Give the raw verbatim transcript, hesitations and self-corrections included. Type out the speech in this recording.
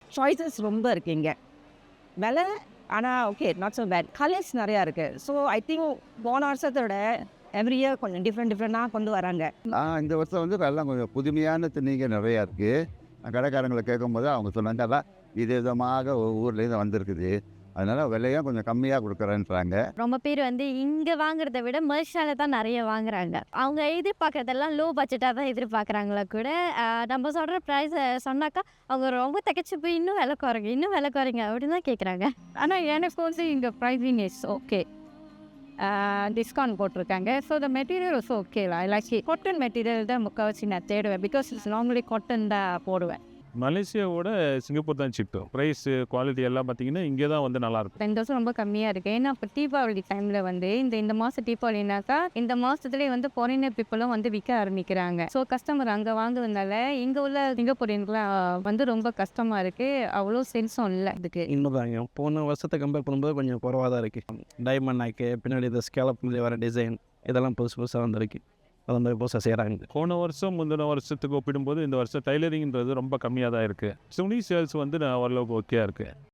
Choices ரொம்ப இருக்குது இங்கே. விலை ஆனால் okay not so bad. Colours நிறையா இருக்குது. ஸோ ஐ திங்க் போன வருஷத்தோட எவ்ரி இயர் கொஞ்சம் டிஃப்ரெண்ட் டிஃப்ரெண்ட்டாக கொண்டு வராங்க. இந்த வருஷம் வந்து எல்லாம் கொஞ்சம் புதுமையான திணிகள் நிறையா இருக்குது. கடைக்காரங்களை கேட்கும்போது அவங்க சொன்னாங்க அதான் இது விதமாக ஊர்லேருந்து வந்திருக்குது, அதனால் விலையும் கொஞ்சம் கம்மியாக கொடுக்குறேன்றாங்க. ரொம்ப பேர் வந்து இங்கே வாங்குறத விட மர்ஷால தான் நிறைய வாங்குறாங்க. அவங்க எதிர்பார்க்கறதெல்லாம் லோ பட்ஜெட்டாக தான் எதிர்பார்க்குறாங்களா கூட. நம்ம சொல்கிற ப்ரைஸை சொன்னாக்கா அவங்க ரொம்ப தகச்சு போய் இன்னும் விலை குறைங்க இன்னும் விலை குறைங்க அப்படின்னு தான் கேட்குறாங்க. ஆனால் எனக்கு வந்து இங்கே ப்ரைஸிங் இஸ் ஓகே, டிஸ்கவுண்ட் போட்டிருக்காங்க. So the material is okay. I like cotton material தான் முக்கால்வாசி நான் தேடுவேன். பிகாஸ் இட்ஸ் நார்மலி காட்டன் தான் போடுவேன். மலேசியாவோட சிங்கப்பூர் தான் சிப்பு. ப்ரைஸு குவாலிட்டி எல்லாம் பார்த்தீங்கன்னா இங்கே தான் வந்து நல்லாயிருக்கும். இந்த வருஷம் ரொம்ப கம்மியாக இருக்குது. ஏன்னா இப்போ தீபாவளி டைமில் வந்து இந்த இந்த மாதம் தீபாவளினாக்கா இந்த மாதத்துலேயே வந்து ஃபாரினர் பீப்புளும் வந்து விற்க ஆரம்பிக்கிறாங்க. ஸோ கஸ்டமர் அங்கே வாங்குறதுனால இங்கே உள்ள சிங்கப்பூரியன்லாம் வந்து ரொம்ப கஷ்டமாக இருக்குது. அவ்வளோ சென்ஸும் இல்லை இதுக்கு. இன்னும் தாங்க போன வருஷத்தை கம்பேர் பண்ணும்போது கொஞ்சம் குறவாக தான் இருக்குது. டைமண்ட் நாக்கு பின்னாடி இந்த ஸ்கேலப் வர டிசைன் இதெல்லாம் புதுசு புதுசாக வந்துருக்கு. அது மாதிரி புதுசாக செய்கிறாங்க. போன வருஷம் முந்தின வருஷத்துக்கு ஒப்பிடும்போது இந்த வருஷம் டைலரிங்கிறது ரொம்ப கம்மியாக தான் இருக்குது. துணி சேல்ஸ் வந்து நான் ஓரளவுக்கு ஓகேயாக இருக்குது.